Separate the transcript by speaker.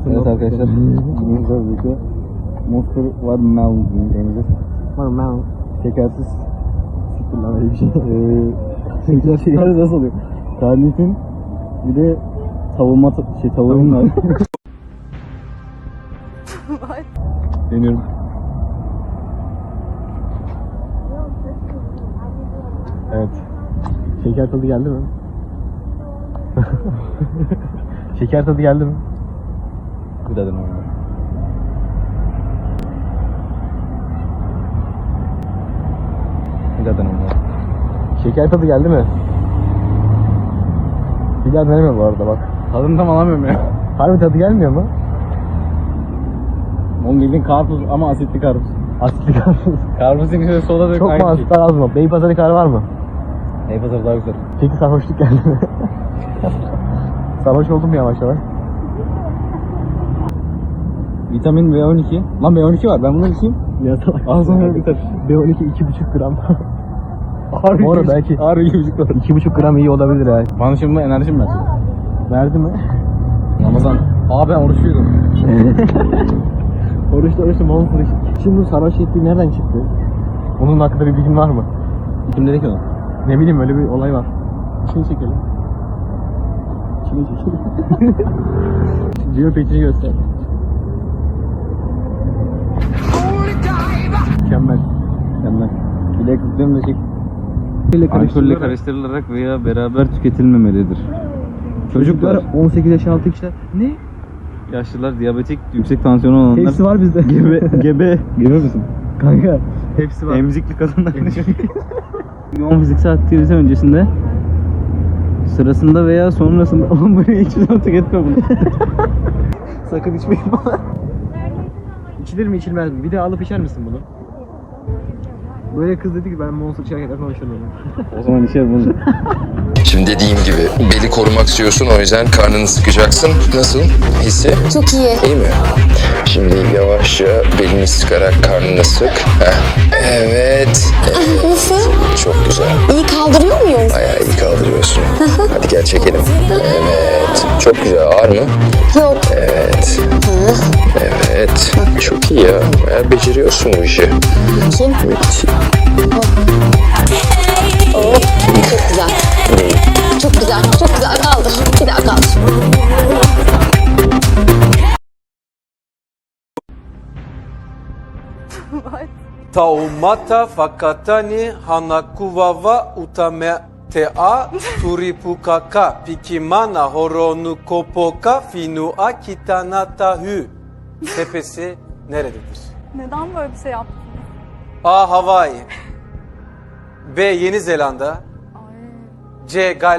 Speaker 1: Evet arkadaşlar. Bugün birlikte Monster var Mel deneyeceğiz.
Speaker 2: Var Mel.
Speaker 1: Şekersiz. Siktir lan öyle bir şey. Şeker nasıl oluyor? Tarifin bir de savunma tavuğun var. Deniyorum. Evet.
Speaker 2: Şeker tadı geldi mi?
Speaker 1: Şeker tadı geldi mi? Bir daha deneyelim. Bir daha deneyelim.
Speaker 2: Şeker tadı geldi mi? Bir daha denemiyorum bu arada bak.
Speaker 1: Tadını tam alamıyorum ya.
Speaker 2: Harbi tadı gelmiyor mu?
Speaker 1: Onun bildiğin karpuz ama asitli karpuz.
Speaker 2: Asitli karpuz.
Speaker 1: Karpuzun içinde soda dök
Speaker 2: Çok mu
Speaker 1: aynı şey.
Speaker 2: asitler az mı? Beypazarı karı var mı?
Speaker 1: Neypazarı daha güzel.
Speaker 2: Peki sarhoşluk geldi mi? Sarhoş oldum yavaş yavaş.
Speaker 1: Vitamin B12. Lan B12 var, ben bunu içeyim.
Speaker 2: Ya salak.
Speaker 1: Ağzına biter.
Speaker 2: B12 2,5 gram.
Speaker 1: Harbi
Speaker 2: Bu arada belki
Speaker 1: Harbi 2,5 var.
Speaker 2: 2,5 gram iyi olabilir ha.
Speaker 1: Bana şimdi enerjim versin.
Speaker 2: Verdi mi?
Speaker 1: Ramazan. Abi ben oruçluydum.
Speaker 2: Oruçlu monster. Şimdi bu sarhoş ettiği nereden çıktı? Onun hakkında bir bilgin var mı?
Speaker 1: Kim dedi ki onu?
Speaker 2: Ne bileyim öyle bir olay var. İçini çekelim. İçini çekelim. Diyor peçini göster. Mükemmel.
Speaker 1: Mükemmel. Bilek kutluyorum da çek. Alkolle karıştırılarak veya beraber tüketilmemelidir.
Speaker 2: Çocuklar 18 yaş altı kişiler. Ne?
Speaker 1: Yaşlılar, diyabetik, yüksek tansiyonu olanlar.
Speaker 2: Hepsi var bizde.
Speaker 1: Gebe misin?
Speaker 2: Kanka. Hepsi var.
Speaker 1: Emzikli kadınlar. Yoğun fiziksel aktivite öncesinde, sırasında veya sonrasında. Oğlum buraya hiçbir zaman tüketme bunu.
Speaker 2: Sakın içmeyin bana. İçilir mi içilmez mi? Bir de alıp içer misin bunu? Böyle kız dedi ki ben Monster içerken konuşuyorum.
Speaker 1: O zaman içerim bunu.
Speaker 3: Şimdi dediğim gibi beli korumak istiyorsun, o yüzden karnını sıkacaksın. Nasıl? Hissi?
Speaker 4: Çok iyi.
Speaker 3: İyi mi? Şimdi yavaşça belini sıkarak karnını sık. Heh. Evet.
Speaker 4: Nasıl?
Speaker 3: Çok güzel.
Speaker 4: İyi kaldırıyor muyum?
Speaker 3: Bayağı iyi kaldırıyorsun. Hadi gel çekelim. Evet. Çok güzel. Ağır mı?
Speaker 4: Yok.
Speaker 3: Evet. Evet. Çok iyi ya. Bayağı beceriyorsun bu işi.
Speaker 4: Bakayım.
Speaker 3: Müthiş.
Speaker 4: Oo, çok güzel. Çok güzel. Çok güzel. Kaldır. Bir daha kaldır.
Speaker 5: Taumata fakatani hanakuwawa utametea turipukaka pikimana horonu kopoka finua kitanatahü. Tepesi nerededir?
Speaker 6: Neden böyle bir şey yaptın?
Speaker 5: A. Hawaii B. Yeni Zelanda
Speaker 6: Ay.
Speaker 5: C. Gal